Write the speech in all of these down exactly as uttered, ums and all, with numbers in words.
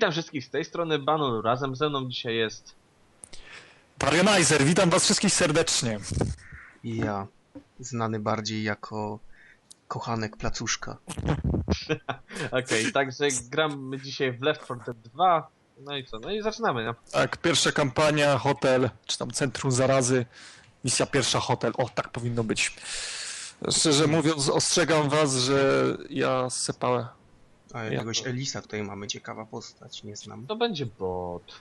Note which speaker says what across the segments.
Speaker 1: Witam wszystkich z tej strony Banu, razem ze mną dzisiaj jest...
Speaker 2: Parionizer, witam was wszystkich serdecznie.
Speaker 3: I ja, znany bardziej jako kochanek placuszka.
Speaker 1: Okej, okay, także gramy dzisiaj w Left four Dead dwa. No i co? No i zaczynamy, no.
Speaker 2: Tak, pierwsza kampania, hotel, czy tam centrum zarazy. Misja pierwsza, hotel. O, tak powinno być. Szczerze mówiąc, ostrzegam was, że ja sypałem.
Speaker 3: A jakiegoś ja... Elisa tutaj mamy, ciekawa postać, nie znam.
Speaker 1: To będzie bot.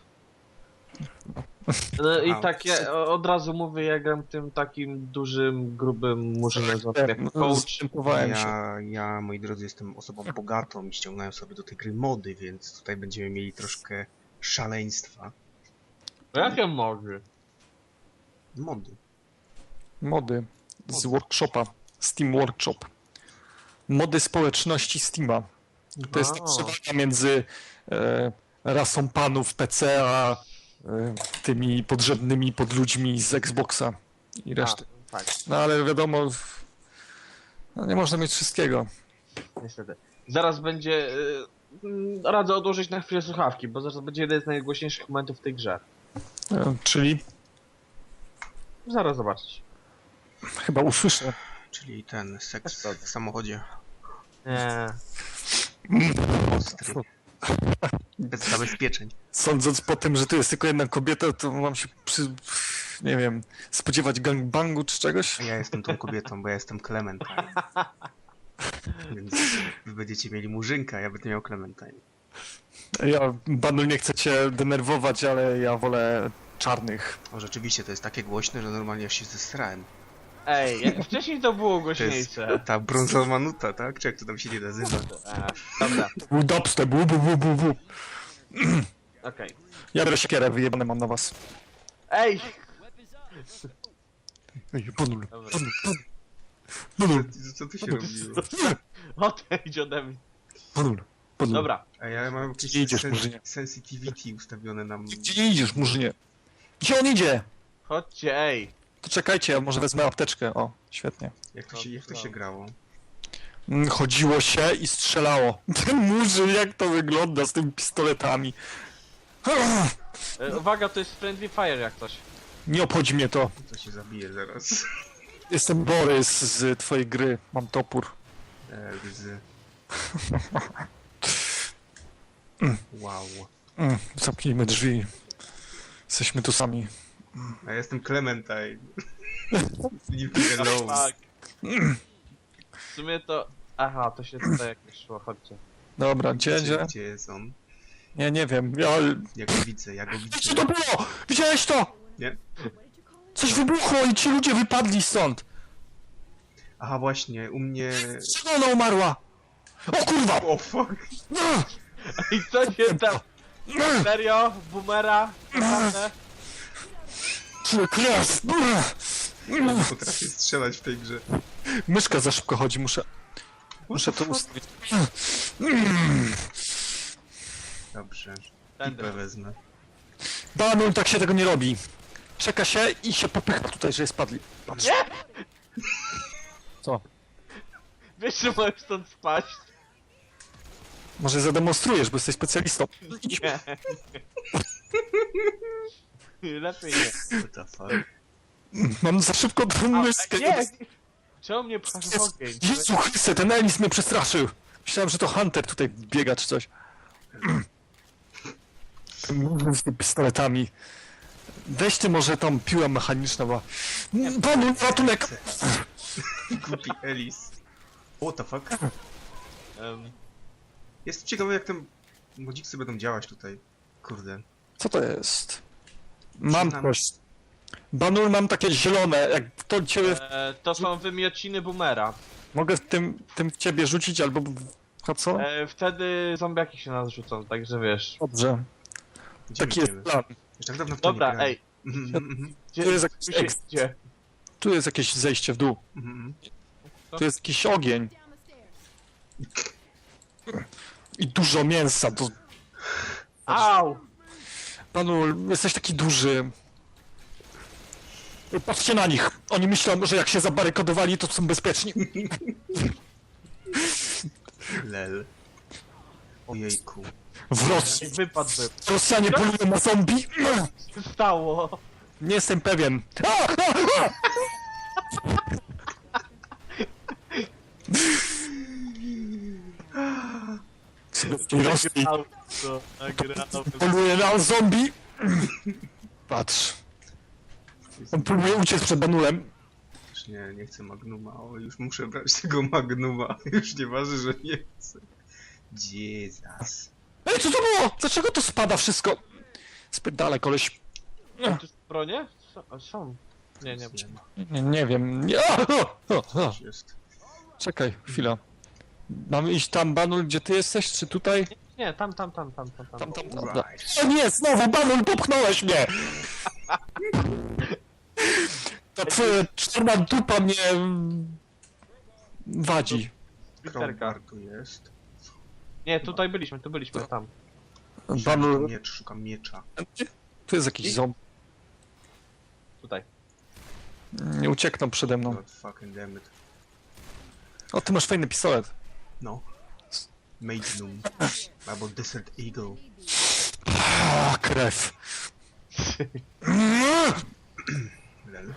Speaker 1: No i tak ja od razu mówię, ja gram tym takim dużym, grubym murzynem jak coach.
Speaker 3: Ja, ja, moi drodzy, jestem osobą bogatą i ściągnąłem sobie do tej gry mody, więc tutaj będziemy mieli troszkę szaleństwa.
Speaker 1: Jakie mody?
Speaker 3: Mody.
Speaker 2: Mody z workshopa, Steam Workshop. Mody społeczności Steama. To jest ta przewaga między e, rasą panów P C a e, tymi podrzędnymi podludźmi z Xboxa i reszty.
Speaker 1: A, tak.
Speaker 2: No ale wiadomo, no, nie można mieć wszystkiego.
Speaker 1: Niestety. Zaraz będzie... Yy, radzę odłożyć na chwilę słuchawki, bo zaraz będzie jeden z najgłośniejszych momentów w tej grze.
Speaker 2: E, czyli?
Speaker 1: Zaraz zobaczyć.
Speaker 2: Chyba usłyszę.
Speaker 3: Czyli ten seks w samochodzie.
Speaker 1: Nie.
Speaker 3: Ostry. Bez zabezpieczeń.
Speaker 2: Sądząc po tym, że tu jest tylko jedna kobieta, to mam się przy... nie wiem, spodziewać gangbangu czy czegoś?
Speaker 3: A ja jestem tą kobietą, bo ja jestem Clementine. Więc wy będziecie mieli murzynka, ja będę miał Clementine.
Speaker 2: Ja, Banu, nie chcę cię denerwować, ale ja wolę czarnych.
Speaker 3: O, rzeczywiście, to jest takie głośne, że normalnie aż się zesrałem.
Speaker 1: Ej, jak wcześniej to było głośniejsze.
Speaker 3: To jest ta brązowa nuta, tak? Czy jak to tam się nie nazywa?
Speaker 1: A, dobra.
Speaker 2: Był dubstep, bu, bu, bu, bu, bu.
Speaker 1: Okej.
Speaker 2: Ja biorę siekierę, wyjebane mam na was.
Speaker 1: Ej!
Speaker 2: Ej, Banul,
Speaker 1: Dobra.
Speaker 2: Banul, Banul,
Speaker 3: Co, co tu się robiło?
Speaker 1: Odejdź ode mnie.
Speaker 2: Banul, Banul.
Speaker 1: Dobra.
Speaker 3: A ja mam jakieś
Speaker 2: Gdzie idziesz,
Speaker 3: sen
Speaker 2: Murzynie?
Speaker 3: sensitivity ustawione nam.
Speaker 2: Gdzie nie idziesz, Murzynie? Gdzie on idzie?
Speaker 1: Chodźcie, ej.
Speaker 2: To czekajcie, ja może wezmę apteczkę. O, świetnie.
Speaker 3: Jak to się, jak to się grało?
Speaker 2: Mm, Chodziło się i strzelało. Ten Murzyn, jak to wygląda z tymi pistoletami.
Speaker 1: E, uwaga, to jest friendly fire jak coś.
Speaker 2: Nie obchodzi mnie to.
Speaker 3: To się zabije zaraz.
Speaker 2: Jestem Borys z twojej gry. Mam topór.
Speaker 3: E, z... Wow.
Speaker 2: Mm, zamknijmy drzwi. Jesteśmy tu sami.
Speaker 3: A ja jestem Clementine. Leave me alone.
Speaker 1: Tak. W sumie to... Aha, to się tutaj jakieś szło, chodźcie.
Speaker 2: Dobra, gdzie,
Speaker 3: Gdzie,
Speaker 2: gdzie?
Speaker 3: gdzie jest on?
Speaker 2: Nie, nie wiem. Ja...
Speaker 3: Ja go widzę, ja go
Speaker 2: Co
Speaker 3: widzę.
Speaker 2: to było? Widziałeś to?
Speaker 3: Nie?
Speaker 2: Coś wybuchło i ci ludzie wypadli stąd.
Speaker 3: Aha, właśnie, u mnie...
Speaker 2: Czego ona umarła? O kurwa!
Speaker 3: O fuck!
Speaker 1: I co się tam? Serio? Boomera? Naprawdę?
Speaker 2: Kres!
Speaker 3: Nie potrafię strzelać w tej grze.
Speaker 2: Myszka za szybko chodzi, muszę... Muszę to ustawić.
Speaker 3: Dobrze.
Speaker 1: Tędy.
Speaker 3: Pipę wezmę.
Speaker 2: Banu, tak się tego nie robi. Czeka się i się popycha tutaj, że spadli. Patrz.
Speaker 1: Nie!
Speaker 2: Co?
Speaker 1: Wiesz, że możesz stąd spaść?
Speaker 2: Może zademonstrujesz, bo jesteś specjalistą.
Speaker 1: Nie. Lepiej nie.
Speaker 3: What the fuck?
Speaker 2: Mam za szybko tą myszkę.
Speaker 1: A, nie! Czemu mnie pchasz w ogień?
Speaker 2: Jezu Chryste, ten Elis mnie przestraszył. Myślałem, że to Hunter tutaj biega czy coś. Z tymi pistoletami. Weź ty może tą piłę mechaniczną, bo... Panu, ratunek!
Speaker 3: Głupi Elis. What the fuck?
Speaker 1: Um,
Speaker 3: Jest ciekawe, jak te modziksy będą działać tutaj. Kurde.
Speaker 2: Co to jest? Mam
Speaker 3: Znam.
Speaker 2: coś. Banul, mam takie zielone, jak to ciebie...
Speaker 1: e, to są wymiociny boomera.
Speaker 2: Mogę w tym, tym w ciebie rzucić, albo... A co?
Speaker 1: E, wtedy zombiaki się nas rzucą, także wiesz.
Speaker 2: Dobrze.
Speaker 3: Gdzie
Speaker 2: Taki jest
Speaker 3: będziemy?
Speaker 2: plan.
Speaker 3: Już tak dawno w to nie
Speaker 1: Dobra,
Speaker 3: grałem.
Speaker 1: ej.
Speaker 3: Mhm,
Speaker 1: Gdzie,
Speaker 2: Tu jest jakiś
Speaker 1: tu się
Speaker 2: tekst.
Speaker 1: idzie?
Speaker 2: Tu jest jakieś zejście w dół.
Speaker 3: mhm.
Speaker 2: Tu jest jakiś ogień. I dużo mięsa. To...
Speaker 1: Au!
Speaker 2: Panu, jesteś taki duży. Patrzcie na nich. Oni myślą, że jak się zabarykadowali, to są bezpieczni.
Speaker 3: Lel. Ojejku.
Speaker 2: W Rosji.
Speaker 1: Wypadłby.
Speaker 2: Rosjanie polują na zombie?
Speaker 1: Co się stało?
Speaker 2: Nie jestem pewien. A, a, a! W Rosji
Speaker 1: Auto, nagrałem.
Speaker 2: poluje na zombie. Patrz. On próbuje uciec przed Banulem.
Speaker 3: Już nie, nie chcę Magnuma. O, już muszę brać tego Magnuma. Już nie waży, że nie chcę. Jesus.
Speaker 2: Ej, co to było? Dlaczego to spada wszystko? Spierdalaj, koleś.
Speaker 1: Tu bronie? Są- Są. Nie, nie, nie.
Speaker 2: Nie, nie wiem. Nie. A, o, o, o.
Speaker 3: Coś jest.
Speaker 2: Czekaj, chwila. Mamy iść tam, Banul, gdzie ty jesteś, czy tutaj?
Speaker 1: Nie, tam, tam, tam, tam, tam.
Speaker 2: Tam,
Speaker 1: tam.
Speaker 2: tam, tam. tam.
Speaker 3: Right.
Speaker 2: O nie, znowu, Banul, popchnąłeś mnie! Ta twoja czarna dupa mnie... mm, wadzi.
Speaker 1: Literka.
Speaker 3: Crowbar tu jest.
Speaker 1: Nie, tutaj byliśmy, tu byliśmy, tam.
Speaker 3: Szukam
Speaker 2: Banul...
Speaker 3: miecz, szukam miecza.
Speaker 2: Tu jest jakiś ząb.
Speaker 1: Tutaj.
Speaker 2: Nie uciekną przede mną.
Speaker 3: God fucking damn it.
Speaker 2: O, ty masz fajny pistolet.
Speaker 3: No. Magnum. Albo Desert Eagle.
Speaker 2: A, krew.
Speaker 3: Lel.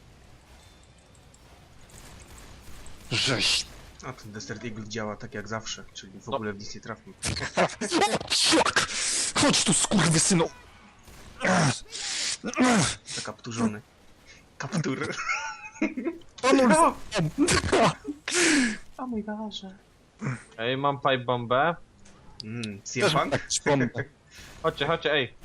Speaker 2: Żeś.
Speaker 3: A ten Desert Eagle działa tak jak zawsze, czyli w
Speaker 1: No.
Speaker 3: ogóle w nic nie trafił.
Speaker 2: O, szlak! Chodź tu, skurwysynu!
Speaker 3: Zakapturzony. Kaptur.
Speaker 2: Banul!
Speaker 3: O mój Boże.
Speaker 1: Ej, mam pipe bombę.
Speaker 3: Mmm,
Speaker 2: Też
Speaker 3: C M
Speaker 2: mam
Speaker 3: Punk?
Speaker 2: tak przypomnę.
Speaker 1: Chodźcie, chodźcie, ej.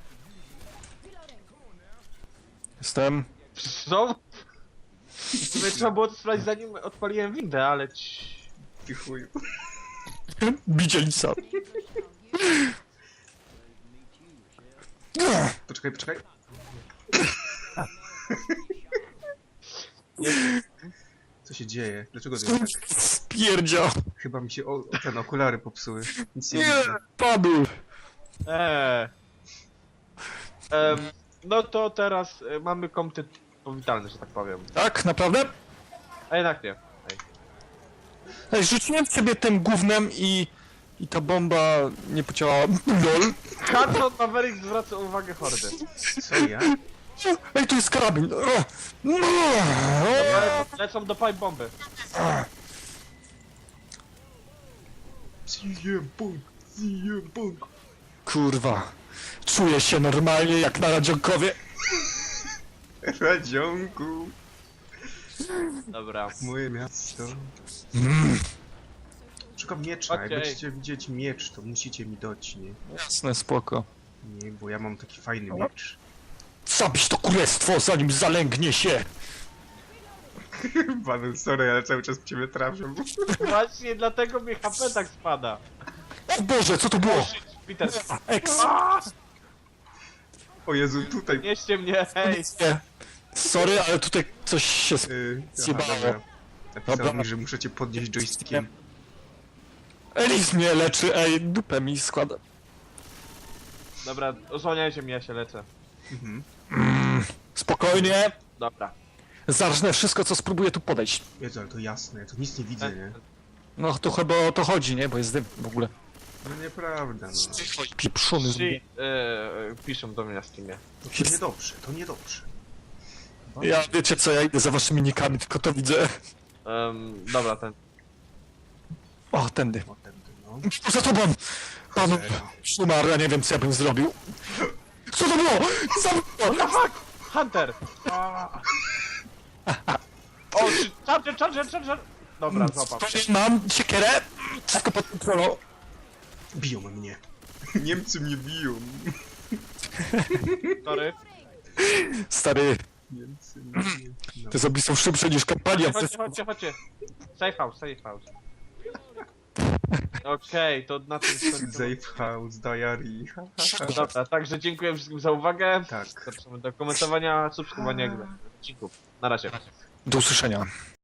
Speaker 2: Jestem.
Speaker 1: Znowu? Tutaj trzeba było to sprawdzić zanim odpaliłem windę, ale... ci-
Speaker 3: Ty chuju.
Speaker 2: Widzielica.
Speaker 3: Poczekaj, poczekaj. Co się dzieje? Dlaczego to jest tak?
Speaker 2: Spierdzia.
Speaker 3: Chyba mi się o, ten okulary popsuły. Nic nie
Speaker 2: Nie,
Speaker 3: widzę.
Speaker 2: Banul.
Speaker 1: Eee. Em, no to teraz e, mamy komty powitalny, że tak powiem.
Speaker 2: Tak, naprawdę?
Speaker 1: A jednak nie. Ej.
Speaker 2: Ej, rzuciłem w ciebie tym gównem i... I ta bomba nie pociąła. LOL.
Speaker 1: Hudson Maverick zwraca uwagę hordy.
Speaker 3: Co ja?
Speaker 2: Ej, tu jest karabin.
Speaker 1: Le lecą do pipe bomby.
Speaker 3: C M Punk! C M Punk!
Speaker 2: Kurwa. Czuję się normalnie jak na Radzionkowie.
Speaker 3: Radzionku!
Speaker 1: Dobra.
Speaker 3: Moje miasto. Szukam miecza. Jak
Speaker 1: Okej.
Speaker 3: będziecie widzieć miecz, to musicie mi dać, nie?
Speaker 2: Jasne, spoko.
Speaker 3: Nie, bo ja mam taki fajny miecz.
Speaker 2: Zabić to królestwo, zanim zalęgnie się.
Speaker 3: Paweł, sorry, ale cały czas w ciebie trafię.
Speaker 1: Właśnie dlatego mi H P tak spada.
Speaker 2: O Boże, co to było?
Speaker 1: Peter,
Speaker 2: Ex.
Speaker 3: O Jezu, tutaj...
Speaker 1: nieście mnie, hej.
Speaker 2: Nie. Sorry, ale tutaj coś się... sp-
Speaker 3: Yy,
Speaker 2: Zjebało.
Speaker 3: dobra. Napisał
Speaker 2: Dobra.
Speaker 3: mi, że muszę cię podnieść joystickiem.
Speaker 2: Elis mnie leczy, ej, dupę mi składa.
Speaker 1: Dobra, osłaniajcie mnie, ja się lecę.
Speaker 3: Mhm.
Speaker 2: Spokojnie.
Speaker 1: Dobra.
Speaker 2: Zarżnę wszystko, co spróbuję tu podejść.
Speaker 3: Jezu, ale to jasne, ja to nic nie widzę, nie?
Speaker 2: No to chyba o to chodzi, nie? Bo jest dym w ogóle.
Speaker 3: No nieprawda, no.
Speaker 2: Pieprzony z...
Speaker 1: Ci, e, piszą do mnie na Steamie.
Speaker 3: To niedobrze, to niedobrze.
Speaker 2: Ja wiecie co, ja idę za waszymi nikami, tylko to widzę.
Speaker 1: Um, dobra, ten.
Speaker 2: O, tędy.
Speaker 3: O, tędy, no.
Speaker 2: Za tobą! Panu
Speaker 3: Cholera.
Speaker 2: Szumar, ja nie wiem co ja bym zrobił. Co to było? Za...
Speaker 1: Hunter! A. O, czy- charger, charger, charger! Dobra, złapam.
Speaker 2: Mam siekierę, wszystko pod kontrolą.
Speaker 3: Biją mnie. Niemcy mnie biją.
Speaker 1: Sorry.
Speaker 2: Stary,
Speaker 3: Niemcy mnie biją. No.
Speaker 2: te zombie są szybsze niż kampania.
Speaker 1: Chodźcie, chodźcie, chodźcie. Safe house, safe house. Okej, to na tym skończymy.
Speaker 3: Safe House Diary.
Speaker 1: Dobra, także dziękuję wszystkim za uwagę.
Speaker 3: Tak.
Speaker 1: Zapraszamy do komentowania, subskrybowania odcinków. Na razie.
Speaker 2: Do usłyszenia.